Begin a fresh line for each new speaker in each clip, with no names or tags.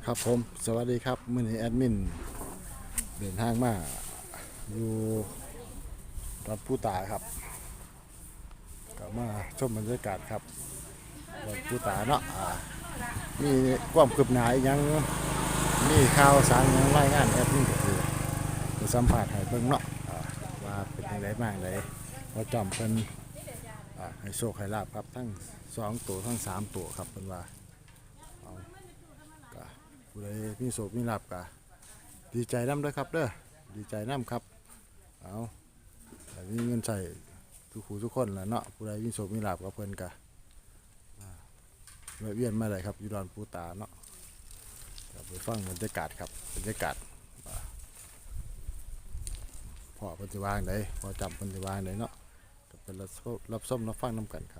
ครับผมสวัสดีครับมื้อนี้แอดมินเดินทางมาอยู่วัดผู้ตาครับก็มาชมบรรยากาศครับวัดผู้ตาเนาะมีความคืบหน้าอีกยังมีข่าวสารหยังรายงานแอดมินก็คือจะสัมภาษณ์ให้เบิ่งเนาะว่าเป็นจังไดบ้างไดว่าจอมเพิ่นให้โชคให้ลาภครับทั้ง2ตัวทั้ง3ตัวครับเพิ่นว่าผู้ใดมีโชคมีลาภก็ดีใจนำเด้อครับเด้อดีใจนำครับเอาแต่มีเงินใช้ทุกผู้ทุกคนแหละเนาะผู้ใดมีโชคมีลาภกับเพิ่นก็แวะเวียนมาได้ครับอยู่ดอนปูตาเนาะไปฟังบรรยากาศครับบรรยากาศพ่อเพิ่นสิวางไดพอจำเพิ่นสิวางไดเนาะก็เป็นรับชมรับฟังนำกันครับ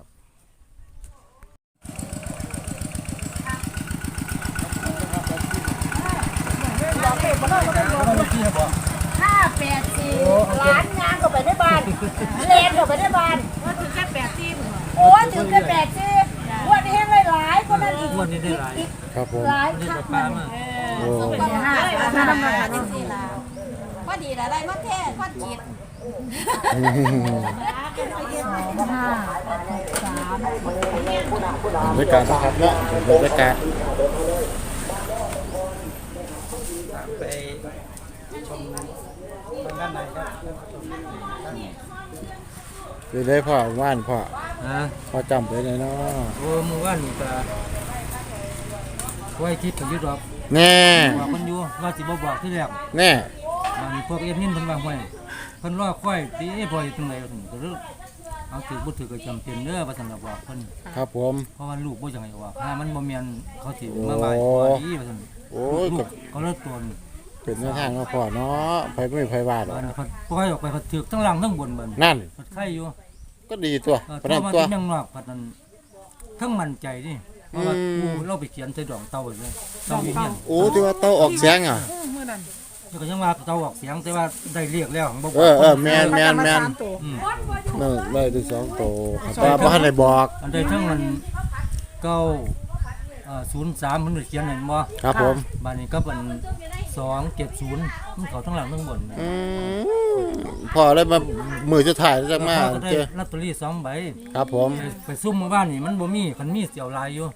584ล้านงานก็ไปได้บ้านเลนก็ไปได้บ้านว่าถึงแค่84โอ้ถึงแค่84วันนี้ให้หลายคนนั้นอีก
ครับผม
หลายคักมัน
โอ้
เป็น5ทำงานจังซี่ล่ะ
พอดีอะไรมาแท้พอจิต
บรรยากาศนะครับเนาะบรรยากาศ
ไปชมทางด้านในครับ
ได้พ่อว่านพ่อ
ฮะ
พ่อจำไปเลยเนาะ
โอ้เมื่อวานนี่ก็ไว้คิดกันอยู่ดอก
แน่
บอกคนอยู่ว่าสิบ่บอกที่แรก
แน่
วันนี้พวกเอ็ดมินเพิ่นว่าห้วยเพิ่นรอค่อยตีพออยู่ตรงไหนก็ถึงก็เลิกเอาถือบ่ถือก็จำเป็นเด้อว่าซั่นน่ะบอกเพิ่น
ครับผม
เพราะว่าลูกบ่จังไห้ว่าถ้ามันบ่แม่นเขาสิมาบ่ายพอดีว่าซั่น
โอ้ย
ลูกเขาเลิกตัวนี่
เป็นแนวทางเนาะพ่อเนาะไปไม่ไปว่าหรอก
อันนี้เพิ่นปล่อยออกไปเพิ่นถือทั้งล่างทั้งบนเบิ่น
นั่น
เพิ่นไข่อยู่
ก็ดีตัว
เพ
ประ
ราะ
ดับ
ว่า
ตัว
ที่ยังนอกพัดนั้นทั้งมั่นใจนี่เพราะว่ากูเราไปเขียนใส่ดอกเต่าเลยเต่าอยู่เนี่ย
โอ้ที่ว่าเต้าออกเสียงอ่ะ
แล้วก็ยังว่าเต่าออกเสียงแต่ว่าได้เรียกแล้วของบ่
แมนนั่นได้ที่2ตัวแต่บ่ทันได้บอก
อันใดทั้งมันเก้า03มันเขียนเห็นบ่
ครับผม
บัดนี้ก็เป็น270มันเขาทั้งหลังทั้งบน
พอเลยมามือสุดท้ายจังมา
ก็ได้
เจ้
ลอตเตอรี่2ใบ
ครับผม
ไปซุ่มเมื่อบ้านนี่มันบ่มีคันมีเสียวลายอยู่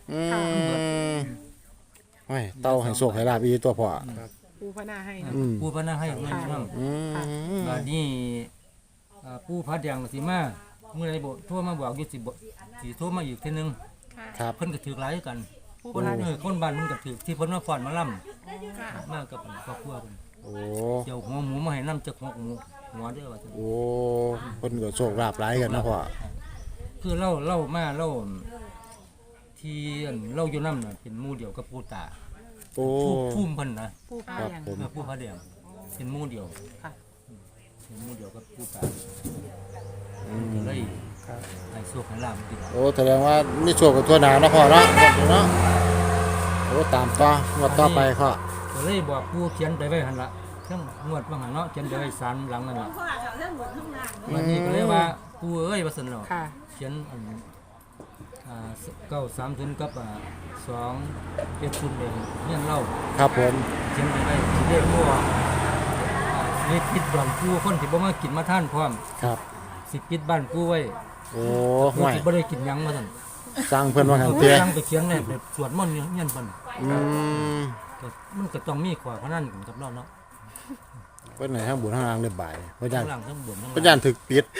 โอ้ยเต้าให้โชคให้ลาบอีตัวพ่อ
ปูพนาให้
ผู้พนักให้เงินนำบัดนี้ผู้พัดแดงสิมาเมื่อใดบ่โทรมาบอกอยู่สิโทรมาอีกเทื่อนึง
ครับ
เพิ่นก็ถือหลายกันคนบ้านมันก็ถือที่เพิ่นมาฟ้อนมาล่ำมากับครอบครัวเพิ่น
โอ้
เดี๋ยวหัวหมูมาให้น้ำจักหัวเด้อว่าซั่น
โอ้เพิ่นก็โชคลาภหลายกันนะพ่อ
คือเล่ามาเล่าที่เล่าอยู่นำน่ะเป็นหมู่เดียวกับปู่ตา
โอ้
พุ่มเพิ่นนะ
ปูพา
ครับ
อย่าง
ผม
ผู้พระแดงเป็นหมู่เดียว
ค่ะ
เป็นหมู่เดียวกับปู่ตาก็เลยให้โชคให้ลาภติด
โอ้แสดงว่ามีโชคกับทั่วหน้านะพ่อเนาะเนาะโอ้ตามต่องวดต่อไปพ่อ
ก็เลยบอกปู่เขียนไปไว้หั่นล่ะเทั้งงวดว่าหั่นเนาะเขียนไปไว้ศาลหลังนั่นล่ะวันนี้ก็เลยว่าปู่เอ้ยว่าซั่นเนาะ
ค่ะ
เขียน930กับ270เลยเฮียนเล่า
ครับผม
เขียนไปได้สิได้บ่สิปิดบ้านปู่คนที่บ่มากินมาทานพร้อม
ครับ
สิปิดบ้านปู่ไว้
โอ้
ผู้
ห่วย
ที่บ่ได้กินหยังว่าซั่น
สร้างเพิ่นว่าหัน
เอ
เตี้ย
ตั้งไปเขียนเลยไปสวดมนต์อยู่เฮียนเพิ่น ก็มันก็ต้องมีขวาพนันกันกับเราเนาะ
เพิ่นให้ทางบุญทางล่างได้บ่ายเพราะ
ทั้
ย่าน
งหลังทั้งบนทั้ง
เพราะย่านถึกปิด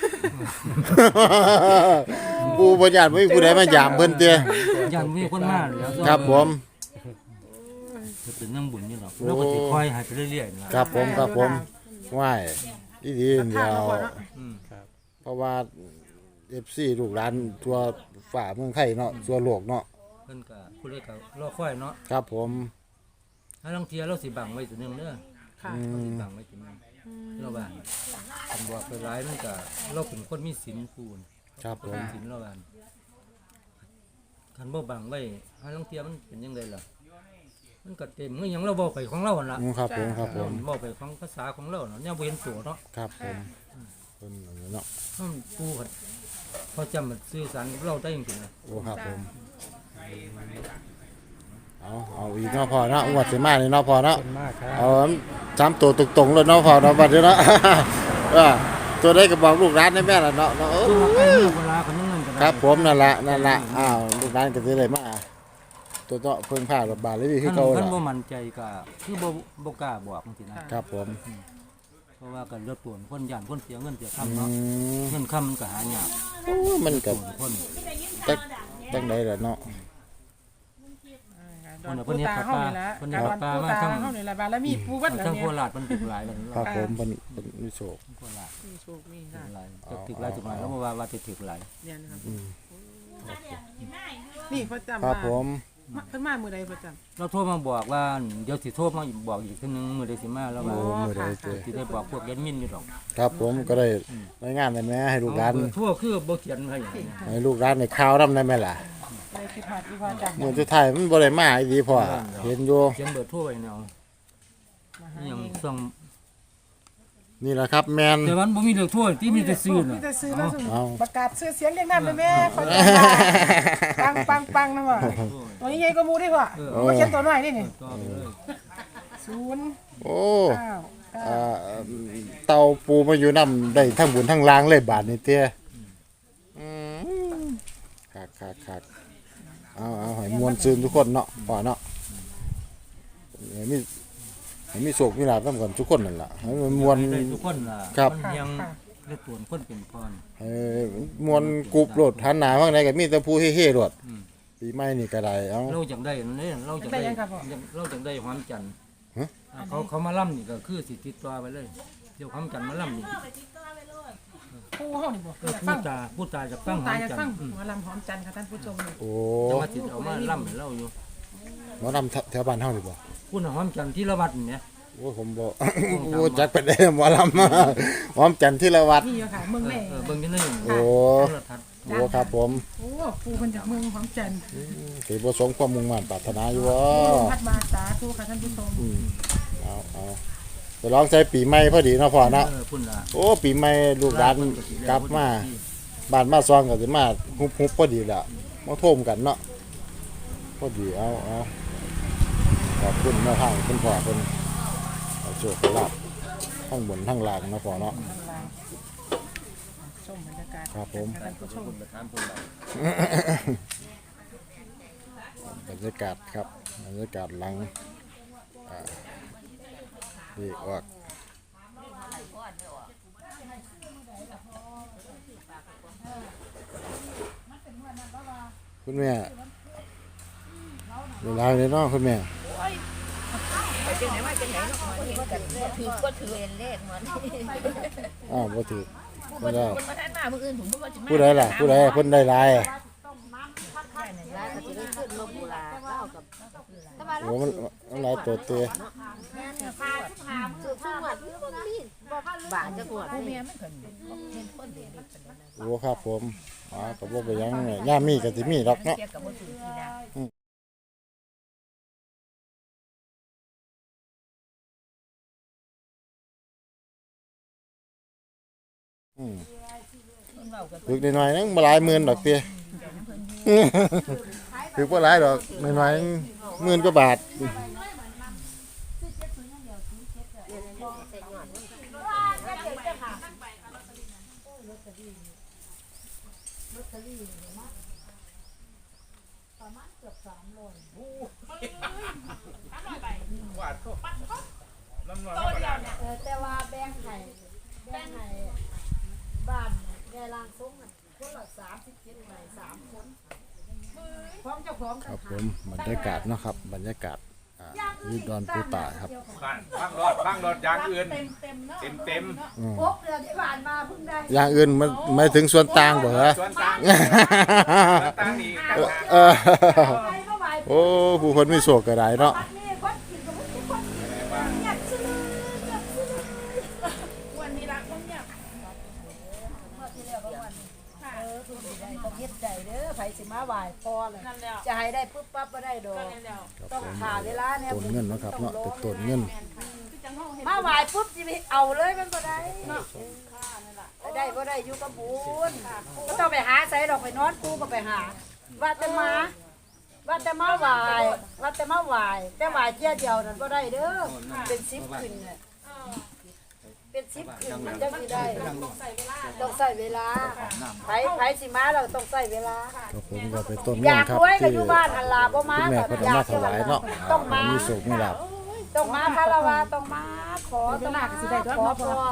ผู้บ่ย่านบ่มีผู้ใดมายามเพิ่นเตี้ย
ยันมีคนมาแล้ว
ครับผม
จะเป็นนั่งบุญนี่หรอกเราก็สิคอยให้ไปเรื่อยๆนะครับ
ผมว่ายอีดีเดียว
อืม
เพราะว่า FC ลูกหลานทั่วฝ่าเมืองไทยเนาะทั่วโลกเนาะ
เพิ่นก็ผู้ใดก็รอคอยเนาะ
ครับผม
ถ้าลางเที่ยเราสิบังไว้ตัวหนึงเด้อ
ค่ะ
เราสิบังไว้ตัวหนึงเราว่าคันบอกไปหลายมันก็เราเป็นคนมีศีลผู้น
ครับผม
ศีลเราว่าคันบ่บังไว้ถ้าลางเที่ยมันเป็นจังไดล่ะมันก็เต็มคือหยังเราบอกไปของเราหั่นล่ะ
ครับผมครับผม
บอกไปของภาษาของเราเนาะเนี่ยบ่เห็นตัวเนาะ
ครับผมเพิ่นอันนี้เนาะ
ถ้ามันปูกันพอจำมันสื่อสารกับเราได้จริงๆนะ
โอ้ครับผมเอาเอาอีกเนาะพอเนาะงวดสิมานี่เนาะพอเนาะ
เป็นมากครับ
เอา3ตัวตรงๆเลยเนาะพอเนาะบัดนี้เนาะ ตัวได้ก็บอกลูกร้านได้แม่ล่ะเนาะเอ
ตัว
อ
ใกล้เมื่อเวลาคนนึงเงินกัน
ครับผมนั่นละอ้าวลูกร้านก็สิได้มาตัวเนาะเพิ่งพารถบาทเลยคือเก่า
ท่าน
ล่ะ
บ่มั่นใจก็คือบ่กล้าบอกจังซี่นะครับ
ผม
เพราะว่ากันรถตวนคนย่านคนเสียเงินเสีย
อื
คำเนาะ
ม
เงินคำมันก็หายาก
โอ้มันก็
คน
จังไดล่ะเนาะ
ดอนปูตาเฮานี่แหละการดอนปูตาเฮานี่แหละบารมีปูวัดแล้ว
ทั้ง
เนี่
โค
ย
ราชมันติดหลายแล้ว
ครับผมเพิ่นมีโชค
โคราช
มีโชคมี
ติ
ลา
ด
ภ
หลายจะติดหลายจุดหมายแล้วว่าจะติดหลาย
เนี่ยนะครับ
อืม
นี่ประจำ
ครับผม
เพิ่นมามื้อใดประจำ
เราโทรมาบอกว่าเดี๋ยวสิโทรมาบอกอีกทีนึงมื้อใดสิมาแล้ว
โอ้
ว่า
มื้อใดเจอ
สิได้บอกพวกแอดมินอยู่ดอก
ครับผมก็ได้รายงานได้แม่ให้ลูกร้าน
ทั่วคือบ่เขียนให้อย่างนี้
ให้ลูกร้านในข่าวนำได้ไหมล่ะ
ไปสิพาดอีพาจัง
มื้อสุดท้ายมันบ่ได้มาอีหลีพ่อเห็นอยู่
เขียนเบอร์โทรไว้แนว
มาหา
อหย่าง
เอง
ส่ง
นี่แหละครับแม่น
แต่วันบ่มีเลขโทรที่มีแต่ซื้อ
มี
น่ะ
แต่ซื้อแล้วส่ง
เอา
ประกาศซื้อเสียงเรียงนามเลยแม่ขอปังปังปังนะว่ะตัวนี้ใหญ่กว่าหมูดิพ่อบ่เขียนตัวน้อยนี่นี่
ต่อไปเลย
0
โอ้
9
อ่าเตาปูมาอยู่นํได้ทั้งบุญทั้งล้างเลยบาดนี้เตี้ยอืมคักเอาให้มวลซืนทุกคนเนาะพ่อเนาะให้มีโชคมีลาภนำกันทุกคนนั่นล่ะให้มันมวล
ได้ทุกคนล่ะ
ครับ
มันยังได้ตวนคนเป็นพร
มวนกรุบโลดหันหน้าข้างในก็มีแต่ผู้เฮ่ๆโลด
อืม
ปีใหม่นี่ก็ได้เอ้า
เราจังได้นั่นเด้เราจังได้เราจังได้ความจันทร์
ฮะ
เขามาล่ำนี่ก็คือสิติดตัวไปเลยเดี๋ยวความจันทร์มาล่ำนี่
ปูเฮานี่บ่
ก็
อยากฟัง
พูดตาจะฟัง
ปู
ควา
ตาม อยาก
จัน
ฟัง
ทร์
หมอลำหอมจันทร์ค่ะท่านผู้ชมนี่
โอ้
จะมาติดเอามาล่ำให้เราอยู่
หมอนำแถวบ้านเฮานี่บ่
พูดหอมจันทร์ที่ละวัดนี่เนี่ย
โอ้ผมบ่ โอ้จักไปได้หมอลำหอมจันทร์ที่ละวัด
นี่อยู่ค่ะเมืองแม่
เบิ่งที่นี่
โอ้
โทรทัศน์
โอ้ครับผม
โอ้ปูเพิ่นจากเมืองหอมจันทร์
สิบ่สมความมุ่งมั่นปรารถนาอยู่บ่
พัดมาสาธุค่ะท่านผู้ชม
เอาไปลองใส่ปีใหม่พอดีเนาะพ่อเนาะ
พุ่นละ
โอ้ปีใหม่ลูกหลานกลับมาบ้านมาซองก็สิมาฮุบๆพอดีแหละมาโทมกันเนาะพอดีเอาขอบคุณแม่ทางคุณพ่อเพิ่นเอาโชคลาภทั้งบนทั้งล่างเนาะพ่อเนาะ
ข้างล่างชมบรรยากาศ
ครับผม
ท่านผู้ชม
พุ่นละถามพุ่นละ
บรรยากาศครับบรรยากาศหลังดีออกคุณแม่เวลาเลยเนาะคุณแม่
ถือก็ถือเองเลขเหมือน
อ้าวบ่ถูก
ผู้
ไม่
บ่
ได้
คนมาท่านมามื้ออื่นผมว่าจะมา
ผู้ใดล่ะผู้ใดเพิ่นได้หลาย
แล้วก็สิได้ขึ้นลงบุราเก้ากับแต่ว่า
โอ้มันหลายตัวเตะ
ถือทุกวันมีบาทจะกวดผู้เมียมันก็เห็นคนเดียวนี่เป็นนั้น
โอ้ครับผมก็บ่ไปหยังเนี่ยย่ามมีก็สิมีดอกเนาะ
เทียบกับบ่ถือทีนะ
อืม
คนเว้ากัน
ถึกน้อยๆนึงบ่หลายหมื่นดอกเตะ ถึกบ่หลายดอกน้อยๆนึงหมื่นกว่าบาท
แต่ว่าแบ่งให้บ้านแม่ลางซุ้งน่ะคนละ37ใบ3คนพร้อมเจ้าของ
ครับผมบรรยากาศเนาะครับบรรยากาศอยู่ดอนปูตาครับ
บ้างรถอย่างอื่น
เต็มๆเนาะ
เต็ม
6เดือนที่ผ่านมาเพิ่งได้
อย่างอื่นมันหมายถึงส่วนต่างบ่ฮะ
ส่วนต่างส่วนต่างนี่ต่างหาก
เออ
ไปเมื่อวาน
โอ้ผู้คนมีโศกก็ได้เนาะ
ปัดนี่คนกินก็ไม่ใช่คนกินเงียบซื่อเงียบซื่อวันนี้รักคนเงียบเมื่อที่แล้วก็วันทุกสิได้ต้องเฮ็ดใจเด้อไผสิมาไหว้พอเลยจะให้ได้ปึ๊บปั๊บบ่ได้ดอกต้องขาเวลาเนี่ย
ต้นเงินเนาะครับเนาะเป็นต้นเงิน
มาไหว้ปุ๊บสิไปเอาเลยมันบ่ได้ได้บ่ได้อยู่กับบุญก็ต้องไปหาใส่ดอกไปนอนกูก็ไปหาว่าจะมาว่าแต่มาไหวว่าแต่มาไหวแต่ไหวเที่ยเดียวนั่นบ่ได้เด้อเป็น10ขึ้นน่ะเป็น10ขึ้นมันจะสิได้ต้องใส่เวลาไผสิมาเราต้องใส่เวลา
ครับผมก็เป็นต้น
อ
เรื่อง
ยาก
ครับ
รวยก็
ที่
อยู่บ้านหันลาบ่มา
คุณแม่
ก็
เพิ่น
อ
เอา
ยาก
มาถวายเนาะ
ต้องมา
มีสุขมีลาภ
ต้องมาคารวะต้องมาขอ
ตลาดก็สิได้ด้วย
ขอ
เนาะ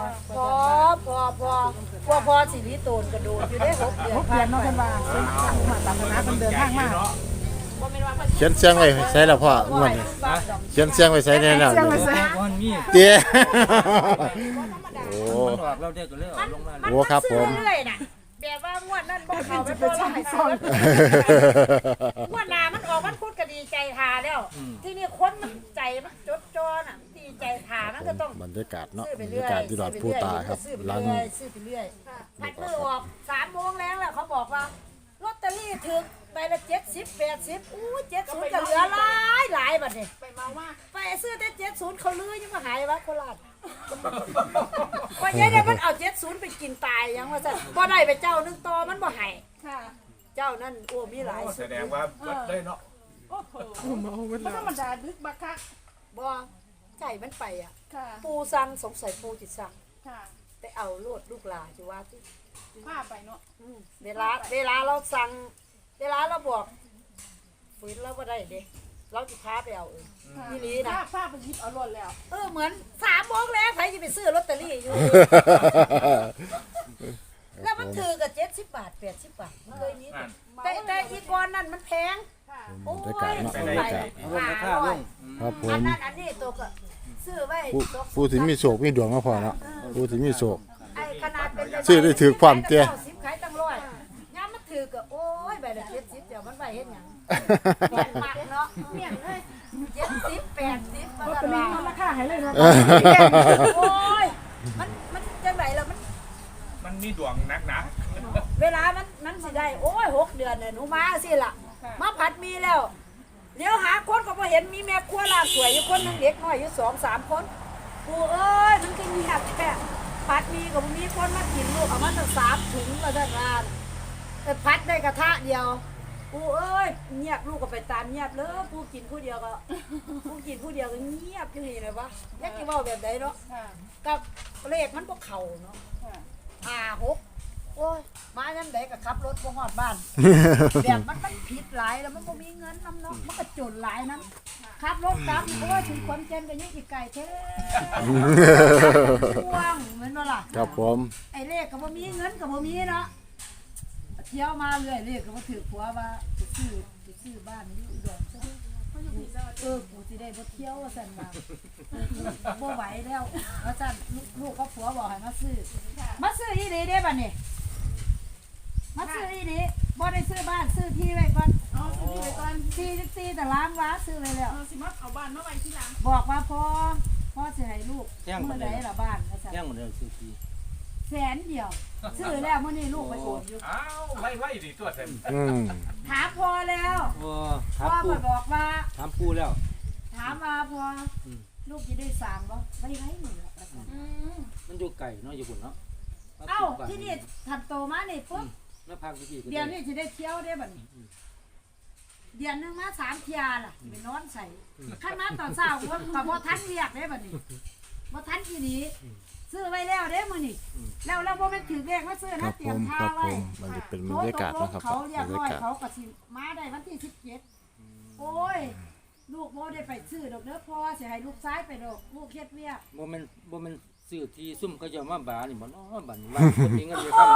พอสิริโตนกระโดดอยู่ได้6 เดือน
เปลี่ยนเนาะเพิ่นว่าเพิ่นมาตามคณะเพิ่นเดินทางมา
เขียนเสียงไว้ใส่แล้วพ่อม่วนนี่เขียนเสียงไว้ใส่แน่แล้ว
เสียงไว้ใส่
วันมี
เตี้ยโอ้
มันออกเราได้ก็เลยเอาลงมา
โหครับผม
เรื่อยๆน่ะแบบว่างวดนั้นบ่เข้าไปพอเราให้ซองงวดหน้ามันออกมันพูดก็ดีใจทาแล้ว ที่นี่คนมันใจมันจดจ่อน่ะดีใจทามันก็ต้อง
บรรยากาศเนาะ
ซื้อบ
ร
ไป
ร
เรื่อย
ยากาศที่ดอดผู้ตาครับ
ซื้อไป
หลัง
เรื่อยซื้อไปเรื่อยผัดมือออก3 โมงแล้วเขาบอกว่าลอตเตอรี่ถึงใบละ70 80อู้70ก็เหลือหลายบัดนี้ไปเมาว่าไปซื้อแต่70เขาลือยังมาหายวะโคราชว่ายัยได้มันเอา70ไปกินตายยังว่าซั่นบ่ได้ไปเจ้านึงต่อมันบ่ให้เจ้านั่นโอ้มีหลาย
แสดงว่าเบิดเลยเนาะ
บ่ธรรมดาดึกบักคัก
บ่ใจมันไปอ่ะ
ค่ะ
ปูสั่งสงสัยปูจิตสั่ง
ค่ะ
ไปเอาโลดลูกหลานสิว่าที่
พาไปเนาะ
เวลาเราสั่งเวลาเราบอกฝืนเราบ่ได้เด้เราสิพาไปเอาเองนี่ลีนะ
พาไปหยิบเอารถแล้ว
เหมือน3 โมงแล้วใครจะไปซื้อลอตเตอรี่อยู่ แล้วมันถือกับ70 บาท80 บาทมันเคยมีแต่อีกอนนั่นมันแพง
บรรยากาศเนาะบรรยากาศ
เอาลงราคาลง
ครับผ
อัน
ม
นั้นอันนี้ตัวก็ซื้อไว้
ผู้ที่มีโชคมีดวงก็พอเนาะผู้ที่มีโชค
ไอ้ขนาดเป็น
ซื้อได้ถือความเตี้ย
ขายตั้งร้อยยามมันถือก็โอ้ยใบละ70เดี๋ยวมันไปเฮ็ดหยังเมียนมักเนาะเมียนเลย70 80มัน
ลอต
ก็
เตอรี่
ว่า
เอาราคาให้เลยเนาะ
โอ้ยมันจังไดล่ะ
มันมีดวงนักหนา
เวลามันสิได้โอ้ย6 เดือนน่ะหนูมาสิล่ะมาผัดมีแล้วเดี๋ยวหาคนก็บ่เห็นมีแม่ครัวลาสวยอยู่คนนึงเด็กน้อยอยู่2-3 คนกูเอ้ยมันก็เงียบแท้ผัดมีก็บ่มีคนมากินลูกเอามาตั้ง3 ถุงว่าซั่นว่าแต่ผัดได้กระทะเดียวกูเอ้ยเงียบลูกก็ไปตามเงียบเลยกูกินผู้เดียวก็เงียบอยู่นี่เลยวะอยากสิเว้าแบบใดเนาะ
ค่ะ
กับเลขมันบ่เข้าเนาะ
ค่ะ
5-6โอ้ยมาจังไดก็ขับรถบ่ฮอดบ้าน แบบมันผิดหลายแล้วมันบ่มีเงินนำเนาะมันก็จนหลายนั้นขับรถกลับโอ้ยถึงขอนแก่นก็ยังอีกไกลแท้ห่วงเหมือนว่าล่ะ
ครับผม
ไอ้เลขก็บ่มีเงินก็บ่มีเนาะเที่ยวมาเรื่อยเลขก็บ่ถือผัวว่าจะซื้อบ้านอยู่อุดรซะกูสิได้บ่เที่ยวว่าซั่นว่าบ่ไหวแล้วว่าซั่นลูกกับผัวบอกให้มาซื้ออีหลีเด้บัดนี้มาซื้ออีหลีบ่ได้ซื้อบ้านซื้อที่ไว้ก่อน
เอาซื้อที่ไปก่อน
44ตารางวาซื้อไว้แล้ว
เอาสิมาเอาบ้านมาไว้ที่หลัง
บอกว่าพ่อสิให้ลูกมื้อใดล่ะบ้านว่าซั่น
ย่างหมดเลยซื้อที
แสนเดียวซื้อแล้วมื้อนี้ลูกไปโอนอยู่
อ้าวไล่ดิตัวเต็ม
อืม
ถามพ่อแล้ว
โอ้
พ่อ
ถามปู
มาบอกว่า
ถามปูแล้ว
ถามมาพ่อลูกจะได้สั่งบ่ไม่ได้หนูหรอก
มันอยู่ไก่เนาะอยู่บุญเนาะ
เอ้าที่นี่ทันโตมานี่ปุ๊บ
แล้วพักที่
เดี๋ยวนี้จะได้เที่ยวได้บัดนี้เดือนหนึงมา3 เที่ยล่ะไปนอนใส่ขั้นมาตอนเช้าก็บ่ทันเรียกได้บัดนี้บ่ทันอีหลีซื้อไว้แล้วเด้มื้อนี้แล้วเราบ่แม่นถือเลขมาซื้อ
ครั
นะ
บ
เตรี
ผ
ยม
ม
ท่า
ครับผ
ไว้
มมันจะเป็นบรรยากาศนะครับ
เขาเรีย
บบ รร
ร้อย
ยากาศ
เขาก็สิมาได้วันที่17โอ้ยลูกบ่ได้ไปซื้อดอกเด้อพ่อสิให้ลูกชายไปดอกลูกเฮ็ดเวียก
บ่แม่นซื้อที่ซุ่มเขาจะมาบานี่บ่เนาะบัดนี้ว่าคนมีเงินเดือนเข้า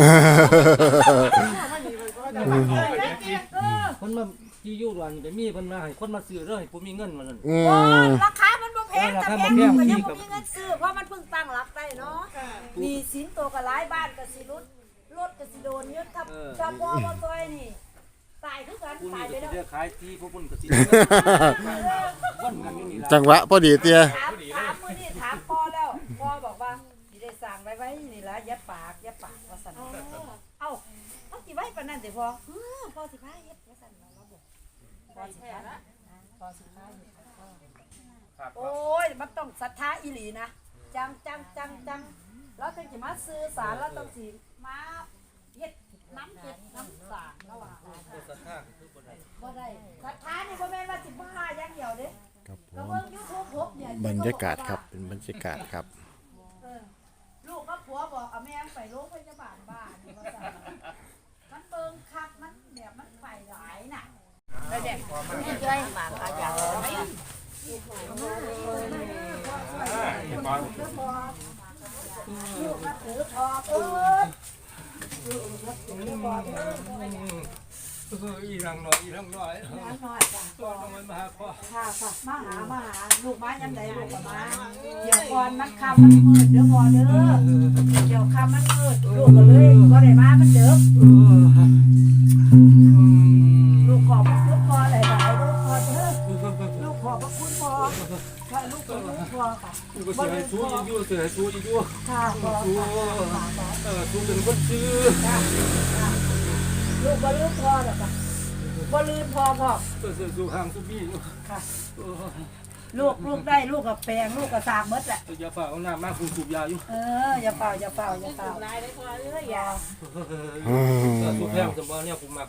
คนมาที่อยู่ร้านก็มีเพิ่นมาให้คนมาซื้อเด้อให้ผู้มีเงินว่าซั่น
อื
โอ้
ม
ราคามันบ่แพงแต่แพงอยู่ก็ยังบ่มีเงินซื้อเพราะมันเพิ่งตั้งหลักได้เนาะมีสินโตก็หลายบ้านก็สิรุดรถก็สิโดนยึดถ้าพ่อบ่ซอยนี่ตายคือกัน
ผู้
ตา
นี้
ยไป
ก็
แล้ว
สิได้ขายที่ผู้พุ่นก็สิวันกันอยู่นี่ล่ะ
จังหวะพอดีเตี้ย
ถามมื้อนี้ถามพ่อแล้วพ่อบอกว่าสิได้สั่งไว้นี่ล่ะอย่าปากว่าซั่นเอ้าเอาสิไว้ปานนั้นสิพ่อพ่อสิพาเฮ็ดว่าซั่นเราบอกพ่อสิพาพ่อสิพาเฮ็ด โอ้ย มันต้องศรัทธาอีหลีนะ จังแล้วถึงจะมาซื้อสารแล้วต้องสิมาเฮ็ดถน้ำจิตน้ำสางระหว่าง
บ่ศรัทธาคือบ่ได้
บ่ได้ศรัทธานี่บ่แม่นว่าสิบ้าอย่างเดียวเด้
ครับผ
ก็
ม
เบิ่ง YouTube พบเนี่ย
บรรยากาศครับเป็นบรรยากาศครับ
ลูกกับผัวบอกเอาแม่ไปโรงพยาบาลบ้านนี่ว่าซั่นมันเบิ่งคักมันแบบมันไปหลายน่ะ
ด้วยหมาก็อยากไป
ลูกก็ถือพอ
อีหลังน้อยอีหลังน้อย
น้อยจ้ะ
ตัวน้อยมาหาพ่อ
ค่ะมาหาลูกมายังไดลูกก็มาเดี๋ยวก่อนมันค่ำมันมืดเด้อพอเด้อเดี๋ยวค่ำมันมืดลูกก็เลยบ่ได้มามันเด้อลูกขอบพระคุณพ่อหลายๆลูกพอเด้อลูกขอบพระคุณพ่อค่ะลูกขอบพระคุณพ่อค่ะ
ก็สิให้สู้อยู่สิให้สู้อยู่
ค่ะพ่อ
สู้สู้เป็นคนซื้อ
ลูกบ่ลืมพ่อหรอกค่ะบ่ลืมพ่อพ่อ
สู้ห่างสู้พี่
ค่ะลูกได้ลูกกับแปลงลูกกับสากมดแหละ
อย่าฝ่าเอาหน้ามาคุณสูบยาอยู่
อย่าเป่า
ลายได้พอเลยอย่า
สูบแพงสมบัติเนี่ยผมมัก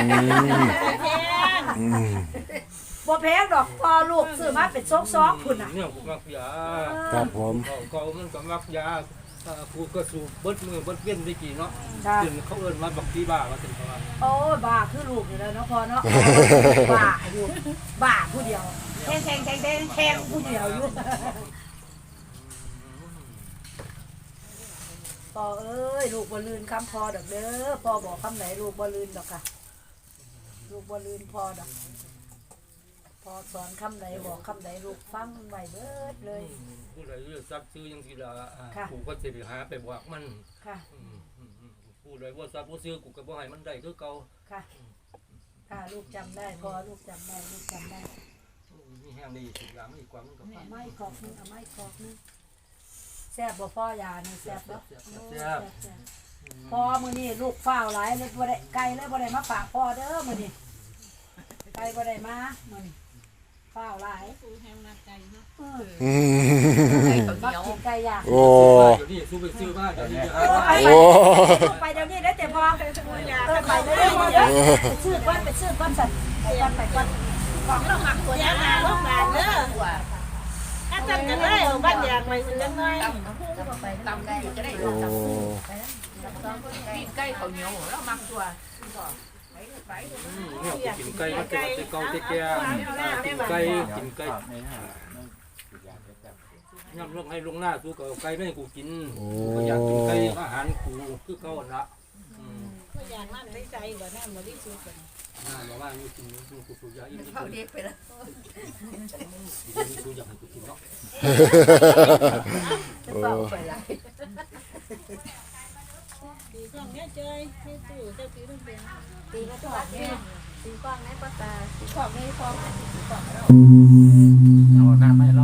บ่แพงดอกพอลูกซื้อมาเป็นซองๆพุ่นน่ะ
เนี่ยผมมักยา
ครับผม
เขามันก็มักยาผู้ก็สูบเบิดมือเบิดเว้นได้กี่เนาะ
จ้า
ถึงเขาเอิ้นมาบักที่บ้าว่าถึงเขาว่า
โอ้ยบ้าคือลูกนี่แหละเนาะพอเนาะบ้าอยู่บ้าผู้เดียวแข่งผู้เดียวอยู่พ่อเอ้ยลูกบ่ลืนคำพ่อดอกเด้อพ่อบอกคำไหนลูกบ่ลืนดอกค่ะลูกบ่ลืนพ่อดอกพ่อสอนคำไหนบอกคำไหนลูกฟังไว้เบิดเลย
ผู้ใดซักซื้อยังสิละ
ค่ะ
กูก็สิไปหาไปบอกมัน
ค่ะ
ผู้ใดว่าซักบ่ซื้อกูก็บ่ให้มันได้คือเก่า
ค่ะค่ะลูกจำได้พ่อลูกจำได้ลูกจำได้
มีแห้งดีสุดยาไม่กว่ามันก็
เอาไม้กอกนึงเอาไม้กอกนึงแซ่บบ่พ่อยานี่แซ่บบ่แซ่บพ่อมื้อนี้ลูกฟ้าวหลายเลยบ่ได้ไก่เลยบ่ได้มาฝากพ่อเด้อมื้อนี้ไก่บ่ได้มามื้อนี้ฟ้าวหลาย
อืม
มักกินไก่ย่าง
โอ้
เดี๋ยวนี้สู้ไปซื้อมาเดี๋ยวนี้จะ
โอ้
ไปเดี๋ยวนี้ได้แต่พอไปเดี๋ยวนี้ไปซื้อก้อนสั่นไปก้อนของเราหมักตัว
อย่า
นี้
มาลูกหลานเด้อถ้าจันจะได้เอาบ้านอยากไปสิจังน้อย
ตำไก่ก็ได้
โอ้
กินไก่ข้าวเหนียวแล้วมักตัว
เนี่ยกินไก่มันจะเก่าแก่กินไก่ย่ำลงให้ลงหน้าสู้กับไก่ไม่ให้กูกินกูอยากกินไก่อาหารกูคือเก่าละ
ก็อยากนั่นได้ใจบ่นั่นบ่ได้สุดกัน
น่าบอกว่าอยู่กินกูสูบยาอีกนิด
เขาเด็กไปแล้ว
กูอยากให้กูกินเนาะ
โอ้
ไปละ
ตีกล้องแม่เจยให้ตู้เจ้าตีต้องเป็น
ตีกระจกเนี่ยตีกว้างในภาษาตีขอบในฟอง
เอาน้ำให้เรา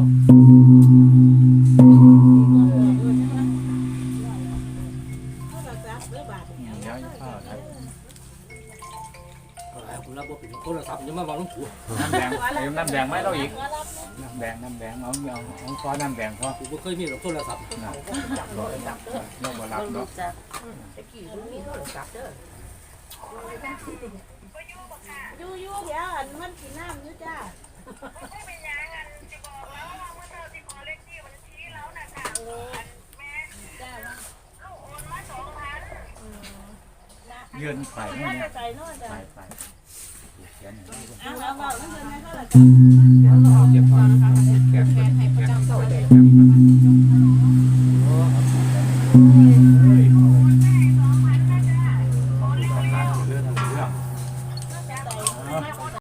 เขารักษาเด้อบาดเนี่ย
เดี๋ยวจะเข้าไทย
คุณรับว่าเป็นโทรศัพท์ยังมาบอกลุงถู
น้ำแดงเติมน้ำแดงไหมเราอีกน้ำแดงเอาซอน้ำแดงพอ
กูไม่เคยมีหรอกโทรศัพท์
นะจับรอยจับเราบ่รับเนาะ
ตะกี้มันมีโทรศัพท์เด้อ
อยู่เดี๋ยวอันมันกินน้ำอยู่จ้า
ยืนไป
น่า
นี่
จะใจนอนจ้ะ
ไปเขียน
เอาเอานั่นเป็นไงเขาล่ะ
เจ็บคอแขนให้ประจำตัวเลย